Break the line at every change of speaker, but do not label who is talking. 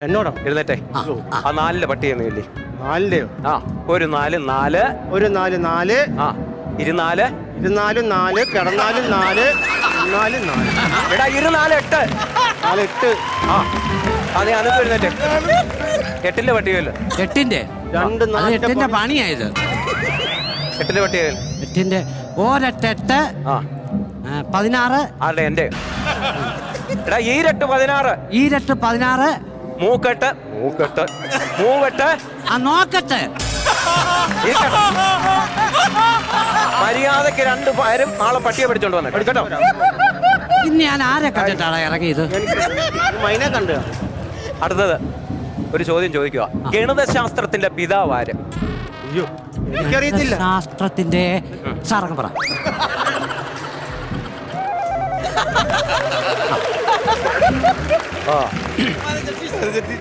എന്നോടോ?
എഴുന്നേറ്റെ. ആ 4 പട്ടിയെന്നില്ലേ?
4
ആ ഒരു 4 4
ഒരു 4 4
ആ 24
24 4 കിടന്നാലും 4 4 4
എടാ 24 8
4 8
ആ അതെ അനക്ക് എഴുന്നേറ്റെ. 8ന്റെ പട്ടികയല്ലോ.
8ന്റെ
2 4
8ന്റെ പണിയായത്.
8ന്റെ പട്ടികയിൽ
8ന്റെ ഒരെട്ട്
ആ
16
ആരുടെ? എന്റെ. എടാ ഈരട്ട് 16
ഈരട്ട് 16
മൂക്കെട്ട് മൂവെട്ട്
ആ നോക്കട്ടെ.
മര്യാദക്ക് 2 പേരും നാളെ പട്ടിയെ പിടിച്ചോണ്ട് വന്നെ എടുക്കട്ടോ.
ഇന്ന് ഞാൻ ആരെ കണ്ടിട്ടാണ് ഇറങ്ങിയത്?
മൈനെ കണ്ടു.
അടുത്തത് ഒരു ചോദ്യം ചോദിക്കുക. ഗണിതശാസ്ത്രത്തിന്റെ പിതാവ് ആര്?
അയ്യോ എനിക്കറിയത്തില്ല.
ശാസ്ത്രത്തിന്റെ സാറങ്ങ് പറ.
ആ